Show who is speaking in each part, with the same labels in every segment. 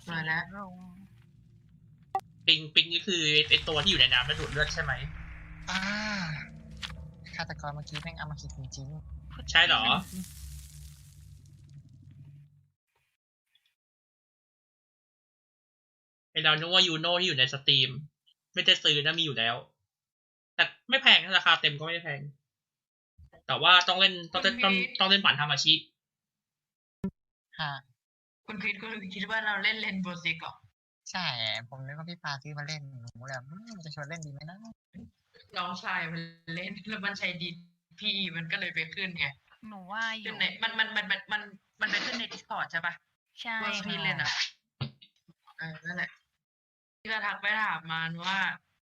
Speaker 1: มาแล้ว
Speaker 2: ลง
Speaker 3: ปิงนี่คือไอตัวที่อยู่ในน้ำแล้วดูดเลือดใช่ไหม
Speaker 4: ฆาตกรเมื่อกี้แม่งเอามาคิดจริง
Speaker 3: ใช่เหรอไอเรานึกว่ายูโน่ที่อยู่ในสตรีมไม่ได้ซื้อนะมีอยู่แล้ว แต่ไม่แพงนะราคาเต็มก็ไม่แพง แต่ว่าต้องเล่นต้องเล่นผ่านทามาชิ
Speaker 4: ๆฮะ
Speaker 1: คุณพีทคุณคิดว่าเราเล่นเลนโบซิกเหรอ
Speaker 4: ใช่ ผมนึกว่าพี่ปาซื้อมาเล่นหนูเลยมันจะชวนเล่นดีไหมนะ
Speaker 1: น้องชายมันเล่นแล้วมันใช้ดีพี่มันก็เลยไปขึ้นไง
Speaker 2: หนูว่าอ
Speaker 1: ขึ้
Speaker 2: ยู่
Speaker 1: นในมันไปขึ้นใน Discord ใช่ปะ
Speaker 2: ใช่
Speaker 1: ว่าพี่เล่นอ่ะนั่นแหละพี่ก็ทักไปถามมันว่า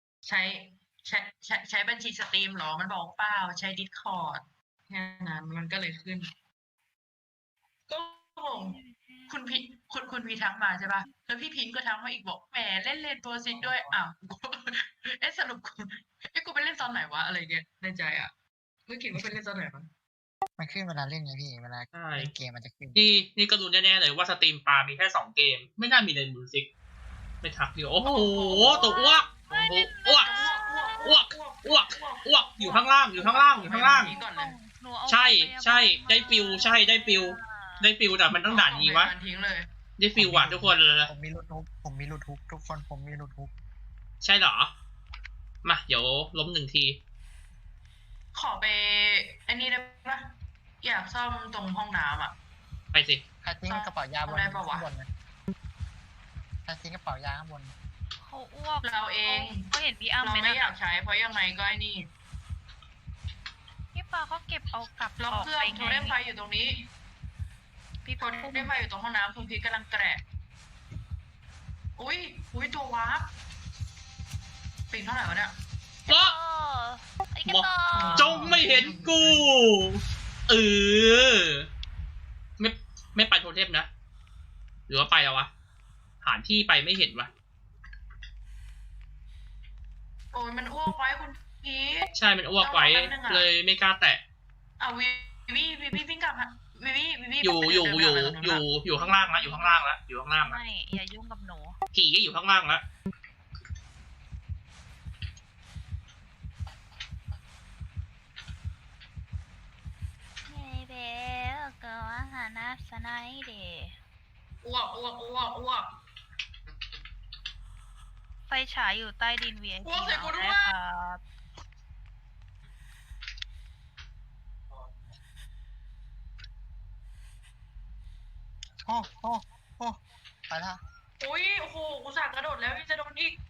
Speaker 1: ใช้บัญชีสตรีมหรอมันบอกเปล่าใช้ Discord แค่นั้นมันก็เลยขึ้น ก็งงคุณพีทักมาใช่ปะแล้วพี่พิงก็ทักมาอีกบอกแหมเล่นเลนโบซิกด้วยอ้าว สรุปกูไปเล่นตอนไหนวะอะไรเงี้ยในใจอ่ะไม่คิดว่าไปเล่นตอนไหนมั้ง
Speaker 4: มันขึ้นเวลาเล่นไงพี่เวลา
Speaker 3: ใช่
Speaker 4: เล่นเกมมันจะขึ้น
Speaker 3: นี่ก็รู้แน่ๆเลยว่าสตรีมปลามีแค่2 เกม ไม่น่ามีเลนบูซิกไม่ทักเดียวโอ้โหตัวอ้วกโอ้โหอ้วกอ้วกอยู่ข้างล่างอยู่ข้างล่างอยู่ข้างล่าง
Speaker 1: ก่อนเลย
Speaker 2: หนูเอา
Speaker 3: ใช่ได้ฟิวใช่ได้ฟิวแต่มันต้องด่านนี้วะ
Speaker 1: ทิ้งเลย
Speaker 3: ได้ฟิวว่ะทุกคน
Speaker 4: ผมมีรูทูบทุกคนผมมีรูทูบ
Speaker 3: ใช่เหรอมาเดี๋ยวล้ม1 ที
Speaker 1: ขอไปอันนี้ได้ปะอยากซ่อมตรงห้องน้ำอ่ะ
Speaker 3: ไปสิ
Speaker 4: ใครทิ้งกระเป๋ายาบน
Speaker 1: ได้ปะวะ
Speaker 4: ข้างบนนะใครทิ้งกระเป๋ายาข้างบน
Speaker 2: เขาอ้วก
Speaker 1: เราเอง
Speaker 2: ก็เห็นพี่อ้ำ
Speaker 1: เรา
Speaker 2: ไหม
Speaker 1: ไม่
Speaker 2: นะ
Speaker 1: อยากใช้เพราะยังไงก็ไอ้นี่
Speaker 2: พี่ปาเขาเก็บเอากลับ
Speaker 1: ล็อกเครื่องโทรเดมไฟอยู่ตรงนี้
Speaker 2: พี่
Speaker 1: โท
Speaker 2: ปาร
Speaker 1: เดมไฟอยู่ตรงห้องน้ำคุณพีทกำลังแกะอุ้ยตัววาร์ปปิงเท่าไหร่วะเนี่ย
Speaker 3: เพราะ
Speaker 2: ไอ้กระต่อ
Speaker 3: จงไม่เห็นกูไม่ไปโทเทมนะหรือว่าไปแล้ววะหาที่ไปไม่เห็นวะ
Speaker 1: โอ้ยมันอ้วกไว้คุณพีท
Speaker 3: ใช่มันอ้วกไว้
Speaker 1: ต้องรอแป๊บนึงอะ
Speaker 3: เลยไม่กล้าแตะ
Speaker 1: วิวิ่งกลับฮะวิ
Speaker 3: อยู่ข้างล่างแล้วอยู่ข้างล่างแล้ว
Speaker 2: ไม่อย่ายุ่งกับหนู
Speaker 3: ผีก็อยู่ข้างล่างแล้ว
Speaker 2: ไม่เบลก็อาหารนัสไนเด
Speaker 1: อ้วก
Speaker 2: ไฟฉายอยู่ใต้ดิน VIP
Speaker 1: อ้วกใส่กูด้วย
Speaker 2: ได้ครับ
Speaker 4: โอ้ไปละ
Speaker 1: อุ้ยโอ้โหกูสั่งกระโดดแล้วยังจะโดนอีก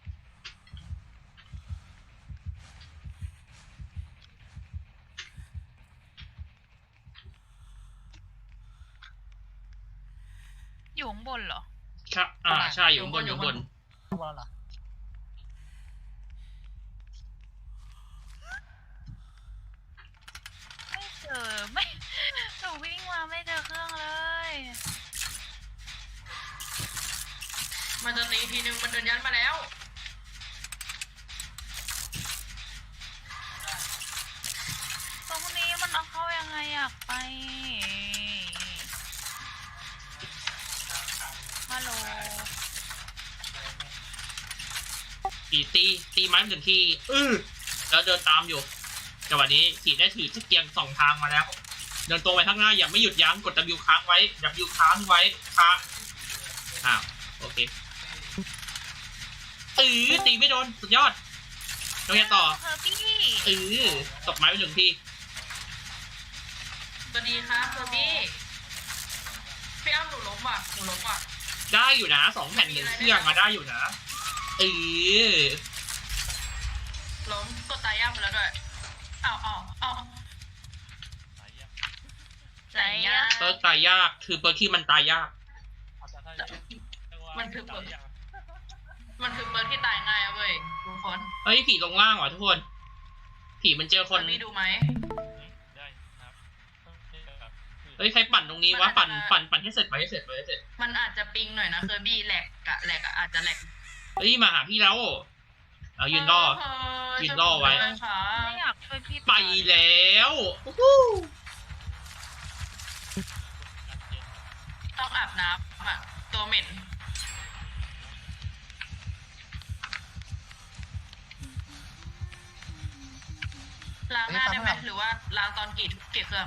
Speaker 2: อยู่ข้างบนเหรอ
Speaker 3: ใช่อยู่ข้างบน
Speaker 4: ข้างบนเหรอ
Speaker 2: ไม่เจอไม่หนูวิ่งมาไม่เจอเครื่องเลย
Speaker 1: มันจะตีทีนึงมันเดินยันมาแล้ว
Speaker 2: ตรงนี้มันเอาเข้ายังไงอยากไปฮัลโหล
Speaker 3: ตีไม้1 ทีแล้วเดินตามอยู่แต่วันนี้ขี่ได้ถือที่เกียง2 ทางมาแล้ว เดินตรงไปข้างหน้าอย่าไม่หยุดยั้งกด W ค้างไว้ W ค้างไว้ค้างโอเคตีไม่โดนสุดยอดเราจะต่อ
Speaker 2: เธอพี่
Speaker 3: ตบไม้ไป1 ที
Speaker 1: สวัสดีครับเบอร์บี้พี่อ้ำหนูล้มว่ะ
Speaker 3: ได้อยู่นะ2 แผ่น1 เครื่องมาได้อยู่นะ
Speaker 1: ล้มกดตายย่างไปแล้วด้วยเอาไหนย่า
Speaker 3: เปิร์กตายยากคือเปิร์กที่มันตายยาก
Speaker 1: มันคือเปิร์กที่ตายง่ายอะเว้ยทุกคน
Speaker 3: เฮ้ยผีลงล่างว่ะทุกคนผีมันเจอคน
Speaker 1: นี่ดูไหม
Speaker 3: เฮ้ยใครปั่นตรงนี้วะปั่นให้เสร็จ
Speaker 1: มันอาจจะปิงหน่อยนะเคอร์บี้แหลกอะอาจจะแหลก
Speaker 3: เฮ้ยมาหาพี่แล้วเอายืนรอ ยืนรอไว้
Speaker 2: ไม่อยากช่วยพี่
Speaker 3: ไปแล้ว
Speaker 1: ต้องอาบน้ำอะตัวเหม็นหน้าได้ไหมหรือว่าล้างตอนกี่เครื่อง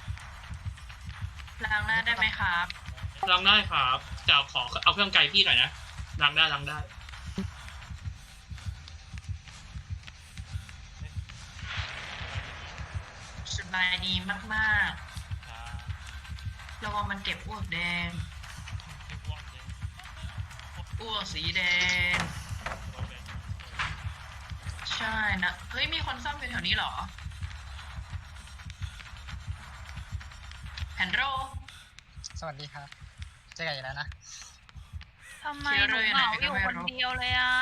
Speaker 1: ล้างหน้าได้ไหมครับ
Speaker 3: ล้างได้ครับแต่ขอเอาเครื่องไกลพี่หน่อยนะล้างได้ล้างได้
Speaker 1: สบายดีมากๆระวังมันเก็บอ้วกแดงอ้วกสีแดงใช่นะเฮ้ยมีคนซ่อมอยู่แถวนี้เหรอแฮนโร
Speaker 4: สวัสดีครับเจอกันอีกแล้วนะ
Speaker 2: ทำไมหนูเหงาอยู่คนเดียวเลยอ่ะ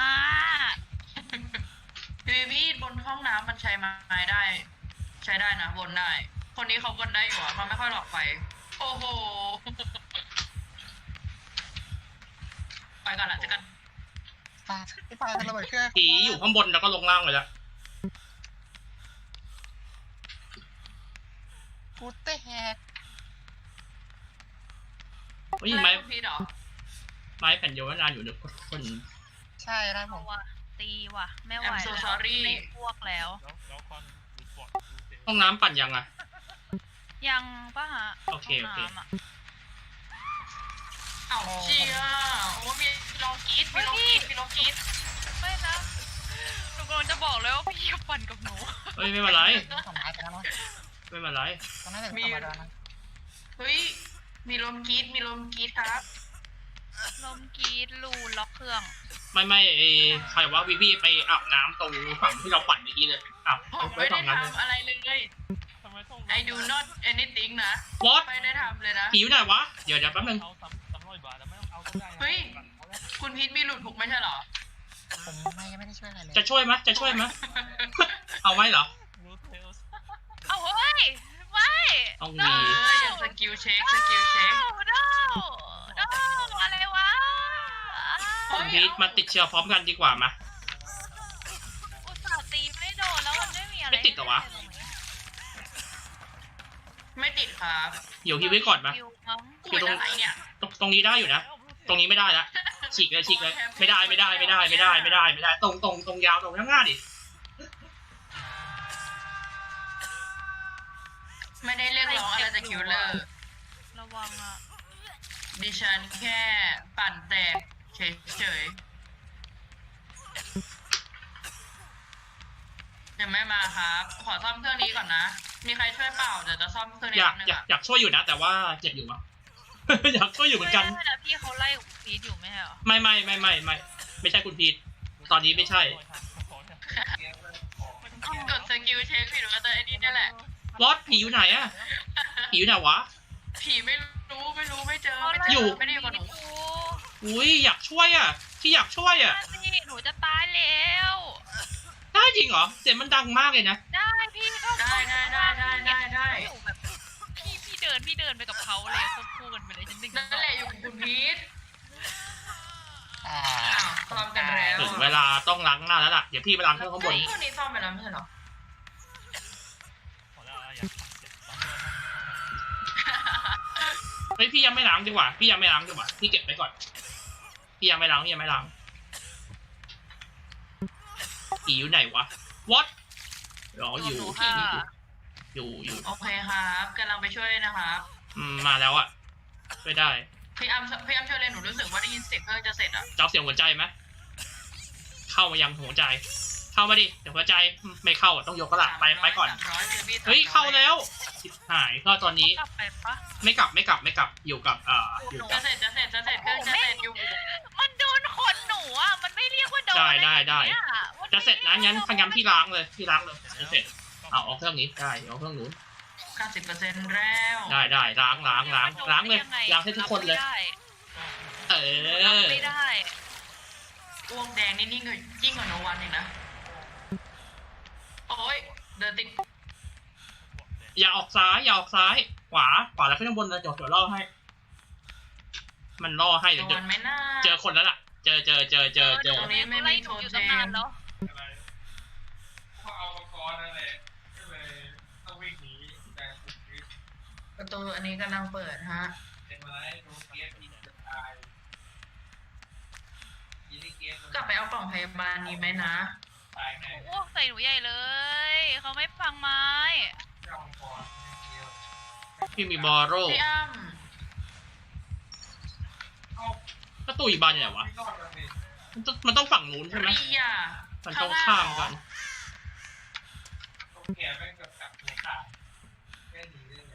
Speaker 1: พี่บนห้องน้ำมันใช้ไม้ได้ ใช้ได้นะบนได้ คนนี้เขาบนได้อยู่อ่ะมันไม่ค่อยหลอกไฟโอ้โหไปกันละเจอกัน
Speaker 4: ปาพี่ปาระเบิดเครื่อง
Speaker 3: ผีอยู่ข้างบนแล้วก็ลงล่างไปแล้ว
Speaker 4: กูเตะแฮก
Speaker 3: เฮ้ยไม้
Speaker 1: คุณพีทเหรอ
Speaker 3: ไม้แผ่นเดียวนานอยู่เดี๋ยวคน
Speaker 4: ใช่ได้ผ
Speaker 2: เอา
Speaker 4: ม
Speaker 2: ว่ะตีว่ะไม่ไหว
Speaker 1: I'm so
Speaker 2: แล้ว
Speaker 1: sorry
Speaker 2: ไม่พวกแล้ว
Speaker 3: ห้องน้ำปั่นยังอ่ะ
Speaker 2: ยังปะฮะ
Speaker 3: โอเคโอเค
Speaker 2: ห้งน้ำะ
Speaker 1: เอ้าเชียโอ้มีลองกรีดมีลองกรีดมีลองกรีด
Speaker 2: ไม่นะหนูกำลังจะบอกเลยว่าพี่อย่าปั่นกับหนู
Speaker 3: เฮ้ยไม่เป็นไร
Speaker 4: ต้องทำร้ายไปแล้วเนาะ
Speaker 3: ไม่เป็นไร
Speaker 4: ต้องน่าจะเป็นธรรมดานะ
Speaker 1: เฮ้ยมีลมกรีดมีลมกรีดครับ
Speaker 2: ลมกรีดรูล็อกเครื่อง
Speaker 3: ไม่ไอ้ใครว่าวิวีไปอาบน้ำตรงฝั่งที่เราปั่นเมื่อกี้เลยอาบ
Speaker 1: ผม
Speaker 3: ไว้
Speaker 1: ไม่ได้
Speaker 3: ฝั่งนั้นเลย
Speaker 1: ทำอะไรเลย I do not anything นะ
Speaker 3: What
Speaker 1: ไม่ได้ทำเลยนะ
Speaker 3: ผีอยู่ไหนวะเดี๋ยวแป๊บนึง
Speaker 1: เฮ้ย คุณพีทมีหลุดถูกไม่ใช่เหรอ
Speaker 4: ผมไม่ได้ช่วยอะไรเลย
Speaker 3: จะช่วยไหมจะช่วยไหมเอาไว้เหรอ
Speaker 2: เอาเฮ้ยไม่
Speaker 3: ต้อง
Speaker 1: เอ
Speaker 3: มี
Speaker 1: ออย่างสกิลเช็คสกิลเช็ค
Speaker 2: no อะไรวะ
Speaker 3: คุณพีทมาติดเชื้อพร้อมกันดีกว่ามา
Speaker 2: อุตส่าห์ตีไม่โดนแล้วมันไม่มีอะไร
Speaker 3: ไม่ติดเหรอวะ
Speaker 1: ไม่ติดครับ
Speaker 3: เดี๋ยวฮิวไว้ก่อนมา
Speaker 2: คิวมั้ง
Speaker 1: คุยอะไรเนี่ย
Speaker 3: ตรงนี้ได้อยู่นะ ตรงนี้ไม่ได้ละฉีกเลยฉีกเลยไม่ได้ตรงยาวตรงข้างหน้าดิ
Speaker 1: ไม่ได้เรียกร้องอะไรจากคิวเลอร์
Speaker 2: ระวังอ่ะ
Speaker 1: ดิฉันแค่ปั่นแตกเฉยๆยังไม่มาครับ ขอซ่อมเครื่องนี้ก่อนนะ มีใครช่วยเปล่าเดี๋ยวจะซ่อมเครื่องนี้
Speaker 3: อยาก
Speaker 1: นึง
Speaker 3: อยากอยากช่วยอยู่นะ แต่ว่าเจ็บอยู่วะ อยากช่วยอยู่เหมือนกัน
Speaker 2: ไม่ได้นะพี่เขาไล่พีทอยู่ไม่ใช่เหรอ
Speaker 3: ไม่ใช่คุณพีทตอนนี้ไม่ใช่
Speaker 1: กดสกิลเช็คผิดว่าแต่อันนี้นี่แหละ
Speaker 3: วอตผีอยู่ไหนอะผีอยู่ไหนวะ
Speaker 1: ผีไม่รู้ไม่เจอ
Speaker 2: เขา
Speaker 1: ไม่
Speaker 2: ไล่
Speaker 1: เจ
Speaker 3: อยู่
Speaker 1: อไม่ได้อยู่กับหนู
Speaker 3: อุ้ยอยากช่วยอะที่อยากช่วยอะ
Speaker 2: นี่หนูจะตายแล้ว
Speaker 3: ได้จริงเหรอเสียงมันดังมากเลยนะ
Speaker 2: ได้พี่ก็
Speaker 1: ได้
Speaker 2: อยู่แบบพี่เดินไปกับเขาเลยควบคู่กันไปเลยฉันดึง
Speaker 1: นั่นแหละอยู่กับคุณพีท
Speaker 4: อ่า
Speaker 1: อ้าวซ่อมกันแล้ว
Speaker 3: ถึงเวลาต้องล้างหน้าแล้วล่ะเดี๋ยวพี่ไปล้างเครื่องข้างบน
Speaker 1: เครื่องนี้ซ่อมไปแล้วไม่ใช่เหรอ
Speaker 3: เฮ้ยพี่ยังไม่ล้างดีกว่าพี่เก็บไว้ก่อนพี่ยังไม่ล้างผีอยู่ไหนวะ what รออยู่
Speaker 2: ค่ะ
Speaker 3: อยู่
Speaker 1: โอเคครับกำลังไปช่วยนะครับ
Speaker 3: มาแล้วอะช่วยได้
Speaker 1: พี่อ้ำช่วยเลยหนูรู้สึกว่าได้ยินเสียงเครื่องจะเสร็จอ่ะ
Speaker 3: เจ้าเสียงหัวใจไหมเข้ามายังหัวใจ เข้ามาดิเดี๋ยวหัวใจไม่เข้าอะต้องยกก็ละไปก่อน
Speaker 1: 300
Speaker 3: เฮ้ยเข้าแล้วชิบหายก็ตอนนี้
Speaker 2: กลับไปปะ
Speaker 3: ไม่กลับอยู่กับอยู่
Speaker 1: จะ
Speaker 3: กับ
Speaker 1: เสร็จเครื่องจะเสร็จอยู่
Speaker 2: มันโดนขนหนูอ่ะมันไม่เรียกว่าโดน
Speaker 3: ได้
Speaker 2: เนี่ย
Speaker 3: จะเสร็จนะงั้นพยายามที่ล้างเลยจะเสร็จเอาเครื่องนี้ได้เอาเครื่องนู้น
Speaker 1: 90%แล้ว
Speaker 3: ได้ล้างเลยล้างให้ทุกคนเลย เอ
Speaker 2: รับ
Speaker 3: อ
Speaker 2: ไม่ได้
Speaker 1: อ้วกแดงนี่ยิ่งกว่าโนวันอีกนะ โอ้ยเดินติด
Speaker 3: อย่าออกซ้ายขวาแล้วขึ้นข้างบนเลยเดี๋ยวล่อให้ มันล่อให้
Speaker 1: โน
Speaker 3: เดี๋ยว
Speaker 1: วันไม่น่า
Speaker 3: เจอคนแล้วล่ะเจอ
Speaker 1: ตรงนี้ไม่มีโทเทม
Speaker 2: แล้ว
Speaker 5: ก็เอามังกรนั่นแหละก็เลยต้องวิ่งหนีแต่ถูกยึด
Speaker 1: ประตูอันนี้กำลังเปิดฮะ
Speaker 5: เป็นไม้โดนเกียร์ยิงจะตายยิงได้เกียร์
Speaker 1: กลับไปเอากล่องพยาบาลนี้ไหมนะ
Speaker 5: ตายแน่
Speaker 2: โอ้ใส่หนูใหญ่เลย เขาไม่ฟังไม้
Speaker 5: เจ้ามังกรเดียว
Speaker 3: พี่มีบอโร่
Speaker 1: พี่อ้ำ
Speaker 5: เอ้า
Speaker 3: ก็ตู้อีบานอยู่ไหนวะ
Speaker 5: ไม่รอดแล้วสิ
Speaker 3: มันต้องฝั่งนู้นใช่ไหม
Speaker 1: เรีย
Speaker 3: มันต้องข้ามกัน
Speaker 5: ตรงแง่แม่งกับกัดหัวขาดแค่ดีได้เลย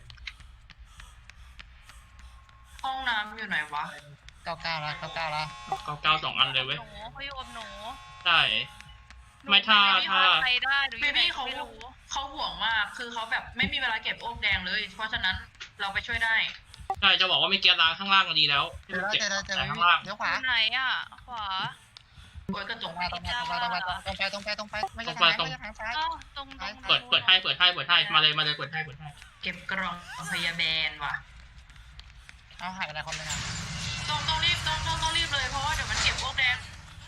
Speaker 1: ห้องน้ำอยู่ไหนวะ
Speaker 4: 99แล้ว99แล้ว
Speaker 3: เก้า2 อันเลยเว้ย
Speaker 2: หนูเขาอยู่กับหนู
Speaker 3: ได้ ไม่ถ้า
Speaker 2: ไปได้หนูอ
Speaker 1: เบ
Speaker 2: ยู่ไหน
Speaker 1: บี้
Speaker 2: ก็
Speaker 1: เขา
Speaker 2: ไม่รู้
Speaker 1: เขาห่วงมาก คือเขาแบบไม่มีเวลาเก็บโอ๊กแดงเลย เพราะฉะนั้นเราไปช่วยได้
Speaker 3: ใช่จะบอกว่าไม่เกียร์ล้างข้างล่างก็ดีแล้ว
Speaker 4: เจอแล้วเจอแล้วเจอ
Speaker 3: แต่
Speaker 4: แล้ว
Speaker 3: ข้างล่าง
Speaker 4: เดี๋ยว
Speaker 2: อ
Speaker 4: ขวา
Speaker 2: ยู่ไหนอ่ะ ขวา
Speaker 1: โอ้ยกระจก
Speaker 4: ตรงไปตรงไปตรงไปตรงไปตรงไปไม่ใช่ทางไม่ใช่ทางซ้าย
Speaker 2: เอ้าตรง
Speaker 3: เปิดให้มาเลยเปิดให้
Speaker 1: เก็บกล่องพยาแบนว่ะ
Speaker 4: เอาหายไปไหนคนเลยนะ
Speaker 1: ต้องรีบเลยเพราะว่าเดี๋ยวมันเก็บโอ๊กแดง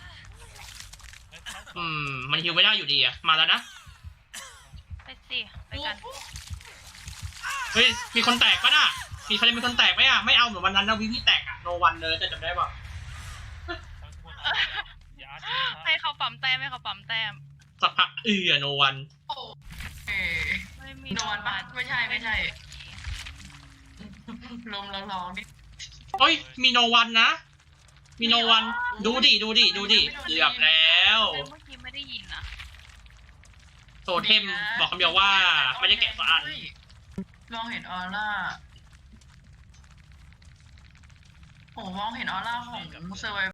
Speaker 3: มันฮิวไม่ได้อยู่ดีอะมาแล้วนะ
Speaker 2: ไปสิไปกัน
Speaker 3: เฮ้ยมีคนแตกปะน่ะมีใครมีคนแตกไหมอะไม่เอาเหมือนวันนั้นนะวิพี่แตกอะโนวันเลยจะจำได้ป่ะ
Speaker 2: ให้เขาปั๊มแต้มให้เขาปั๊มแต้ม
Speaker 3: สักพักโนวัน
Speaker 1: โอ้เอ
Speaker 2: ไม่มี
Speaker 1: นอนปะไม่ใช่ลมร้องนี่
Speaker 3: เฮ้ยมีโนวันนะ มีโนวันดูดิเกือบแล้ว
Speaker 2: แต่เมื่อกี้ไม่ได้ยินนะ
Speaker 3: โทเทมบอกคำเดียวว่าไม่ได้แกะสักอัน
Speaker 1: มองเห็นออร่าโอ้มองเห็นออร่าของเซอร์ไว